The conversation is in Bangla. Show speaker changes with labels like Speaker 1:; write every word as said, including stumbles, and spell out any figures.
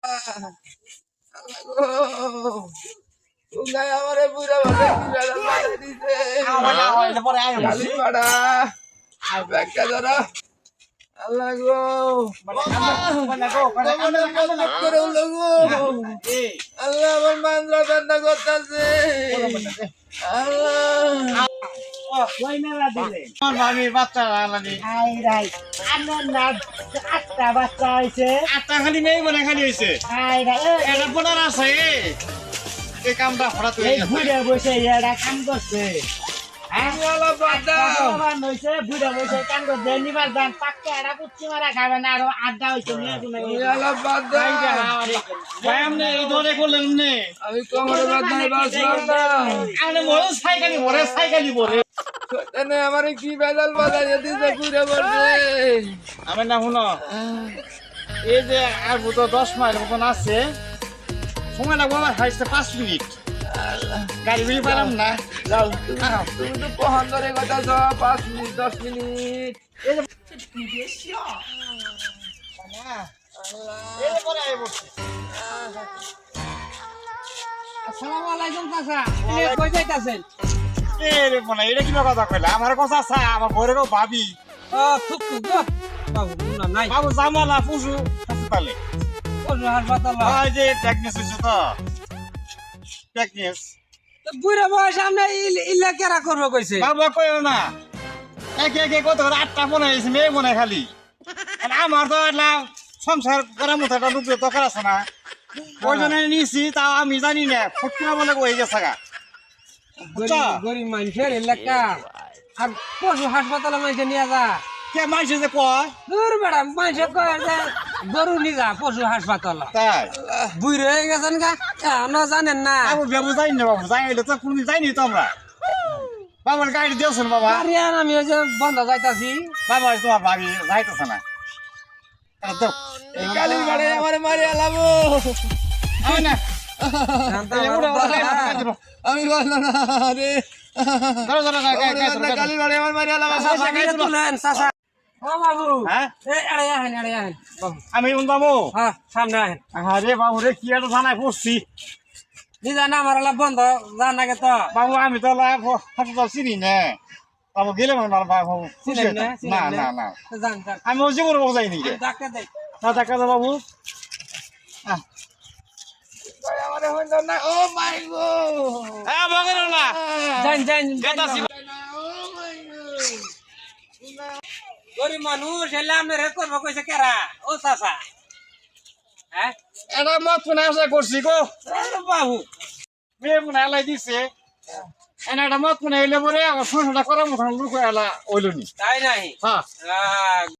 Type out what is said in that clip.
Speaker 1: উঙ্গাই আমারে বুড়া বাবা কি বেলা বাড়া দিছে
Speaker 2: আওয়ালা হইলে পরে আয়
Speaker 1: খালি বাড়া ব্যাগটা ধরো আল্লাহ গো
Speaker 2: বলে গো
Speaker 1: বলে করে উল্লো গো আল্লাহ আমার মান্দ্রা ঠান্ডা করতেছে আল্লাহ
Speaker 2: ওই মেলা দিলে
Speaker 3: আমার ভাবির বাচ্চা আলানি
Speaker 2: আই রাই আমার না আটটা বাচ্চা হইছে
Speaker 3: আটটা খালি মেয়ে মনে খালি হয়েছে
Speaker 2: আই রাই
Speaker 3: এটা বোনার আছে এই কামটা হঠাৎ হয়ে
Speaker 2: এই
Speaker 3: গেছে
Speaker 2: বুড়ে বসে এরা কাম করছে
Speaker 1: আল্লাহ বাদ দাও
Speaker 2: হইছে বুড়ে বসে কাম করছে নিবার দান পাক্কা এরা কুচ্ছি মারা খাবে না আরো আড্ডা হইছে নিয়ে তুমি
Speaker 1: আল্লাহ বাদ দাও
Speaker 3: ভাই আপনি এই ধরে করলেন নে
Speaker 1: আমি কোমরে বাদ নাই বাসলাম না
Speaker 3: আপনি মরে সাইকেলি মরে সাইকেলি মরে
Speaker 1: শয়তানে আমারে কি বেজাল বাজাইয়া দিছে ঘুরে পড়ছে
Speaker 3: আমার না শুনো এই যে আর তো দশ মাইল মতন আছে সময় লাগবো আমার হাইছে পাঁচ মিনিট গাড়ি বিড়ি পারাম না
Speaker 1: যাও তুমি তুমি তো কখন ধরে কথা ছ পাঁচ মিনিট দশ মিনিট
Speaker 2: আসসালামু আলাইকুম চাচা এ কই যাইতাছেন
Speaker 3: এরে মনে এটা কি কথা কইলা আমার কথা চা আমার ঘরে কেউ ভাবি
Speaker 2: ও থুক থুক গো বাবু না নাই
Speaker 3: বাবু জামালা পুষু হাসপাতালে
Speaker 2: পশু হাসপাতাল
Speaker 3: ওই যে টেকনিস হয়েছে তো টেকনিস
Speaker 2: তো বুড়া বয়স আমরা ইল্লা কেরা করবো কইছে
Speaker 3: বাবু কইও না একে একে কত করে আটটা মনে হয়েছে মেয়ে মনে খালি আর আমার তো একটা সংসার করার মতো একটা রূপে দরকার আছে না ওই জন্য নিয়েছি তাও আমি জানি না ফুটকিনা বলে হয়ে গেছে গা বুঝছো?
Speaker 2: গরিব মানুষের এলাকা আর পশু হাসপাতালে মানুষে নিয়ে যা
Speaker 3: কে মাইছে যে কয়
Speaker 2: দূর বেড়া মানুষে কয় যে গরু নিয়ে যা পশু হাসপাতালে
Speaker 3: তাই
Speaker 2: বুড়ি হয়ে গেছেন গা এখনো জানেন না
Speaker 3: বাবু বাবু যাইনি না বাবু যাইলে তো কোনদিন যাইনি তো আমরা বাবার গাড়ি দিয়েছেন বাবা
Speaker 2: আরে আর আমি ওই যে বন্ধ যাইতাছি
Speaker 3: বাবা তোমার ভাবি যাইতেছে না তাহলে দাও।
Speaker 1: এই কালি বাড়ে আমারে মারি আলাবো
Speaker 3: আমি না
Speaker 2: শান্তা
Speaker 3: এই উড়ো, উড়ো, এই উড়ো, এই উড়ো।
Speaker 1: আমি বললাম না রে
Speaker 3: ধরো, ধরো, গায়ে, গায়ে, গায়ে, ধরো, গায়ে,
Speaker 1: কালি বাড়ে আমার মারি আলাবো
Speaker 2: চাচা গাড়ি তুলেন চাচা ও বাবু
Speaker 3: হ্যাঁ?
Speaker 2: এই আড়ে আহেন আড়ে আহেন বাবু
Speaker 3: আমি বাবু
Speaker 2: হ্যাঁ সামনে আহেন
Speaker 3: আরে বাবু রে কি একটা থানায় পড়ছি
Speaker 2: দিদা না আমার এলা বন্ধ জান নাকি তো
Speaker 3: বাবু আমি তো লাভ হাসপাতাল চিনি না বাবু গেলে না বাবু খুশি
Speaker 2: চিনেন না
Speaker 3: হইতাম। না
Speaker 2: চিনেন
Speaker 3: না না
Speaker 2: জান জান
Speaker 3: আমি ওই জীবনে বউ যাইনি রে
Speaker 2: ডাক্তার দেখ
Speaker 3: না দেখা যাও বাবু আহ,
Speaker 1: আমারে হইল না ও মাই গো
Speaker 3: হ্যাঁ বাগের না
Speaker 2: জান জান
Speaker 3: গেতাছি
Speaker 1: ও মাই গো
Speaker 2: গরিব মানুষ এলে আমি রে করবো কইছে কেরা ও চাচা হ্যাঁ
Speaker 3: এটা মত শুনে আশা করছি গো
Speaker 2: আরে বাবু
Speaker 3: মেয়ে মনে এলাই দিছে এনে একটা মত মনে হইলে পরে আমার সংসারটা করার মতন লোক এলা ওইল নি
Speaker 2: তাই নাই
Speaker 3: হ্যাঁ
Speaker 2: আহ,